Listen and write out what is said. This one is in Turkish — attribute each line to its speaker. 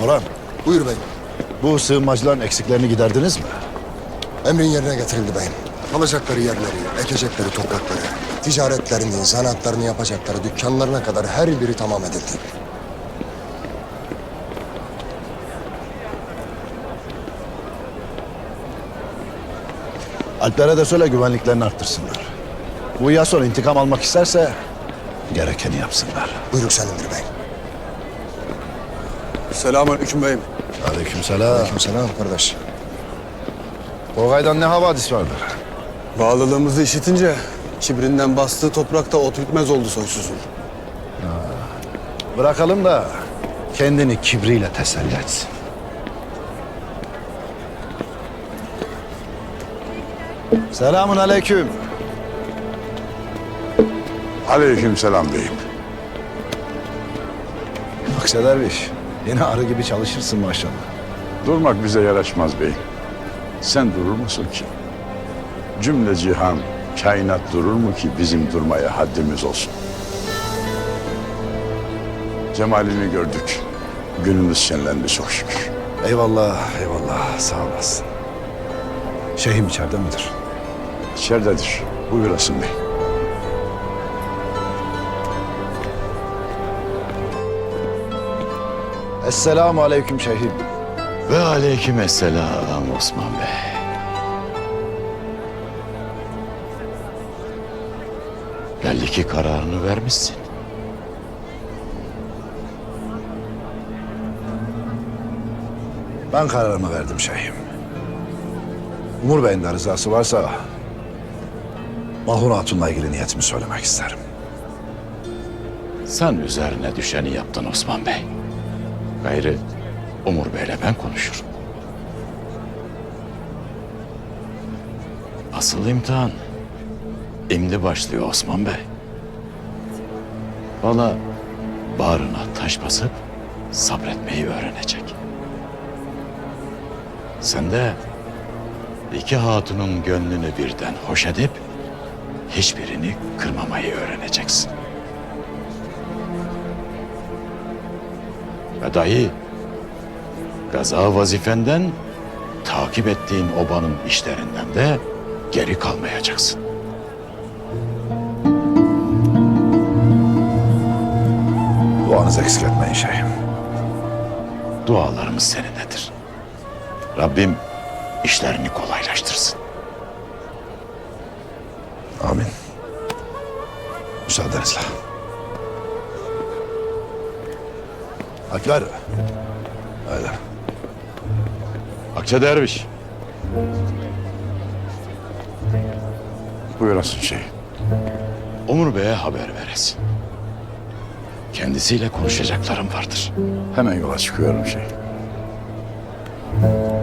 Speaker 1: Orhan,
Speaker 2: Buyur beyim.
Speaker 1: bu sığınmacıların eksiklerini giderdiniz mi?
Speaker 2: Emrin yerine getirildi beyim. Kalacakları yerleri, ekecekleri toprakları, ticaretlerini, zanaatlarını yapacakları dükkanlarına kadar her biri tamam edildi.
Speaker 1: Alplere de söyle güvenliklerini arttırsınlar. Bu Yason intikam almak isterse gerekeni yapsınlar.
Speaker 2: Buyruk senindir beyim.
Speaker 3: Selamünaleyküm beyim.
Speaker 1: Aleykümselam.
Speaker 2: Aleykümselam kardeş.
Speaker 1: Togay'dan ne havadis vardır?
Speaker 3: Bağlılığımızı işitince kibrinden bastığı toprakta ot bitmez oldu soysuzun.
Speaker 1: Bırakalım da kendini kibriyle teselli etsin. Selamun aleyküm.
Speaker 4: Aleykümselam beyim.
Speaker 1: Akse derviş, yine arı gibi çalışırsın maşallah.
Speaker 4: Durmak bize yaraşmaz beyim. Sen durur musun ki? Cümle cihan, kainat durur mu ki bizim durmaya haddimiz olsun? Cemalini gördük. Günümüz şenlendi çok şükür.
Speaker 1: Eyvallah, eyvallah. Sağ olasın. Şeyhim içeride midir?
Speaker 4: İçeridedir. Buyurasın bey.
Speaker 1: Esselamu aleyküm şeyhim.
Speaker 5: Ve aleykümselam Osman Bey. Belli ki kararını vermişsin.
Speaker 1: Ben kararımı verdim şeyhim. Umur Bey'in de rızası varsa Mahur Hatun'la ilgili niyetimi söylemek isterim.
Speaker 5: Sen üzerine düşeni yaptın Osman Bey. Gayrı Umur Bey'le ben konuşurum. Asıl imtihan imdi başlıyor Osman Bey. Bana bağrına taş basıp sabretmeyi öğrenecek. Sen de iki hatunun gönlünü birden hoş edip hiçbirini kırmamayı öğreneceksin. Ve dahi gaza vazifenden takip ettiğin obanın işlerinden de geri kalmayacaksın.
Speaker 1: Duanızı eksik etmeyin şeyhim.
Speaker 5: Dualarımız seninledir. Rabbim işlerini kolaylaştırsın.
Speaker 1: Amin. Müsaadenizle. Aklar. Haydi.
Speaker 5: Akça Derviş.
Speaker 4: Buyurasın şey.
Speaker 5: Umur Bey'e haber veresin. Kendisiyle konuşacaklarım vardır.
Speaker 4: Hemen yola çıkıyorum şey.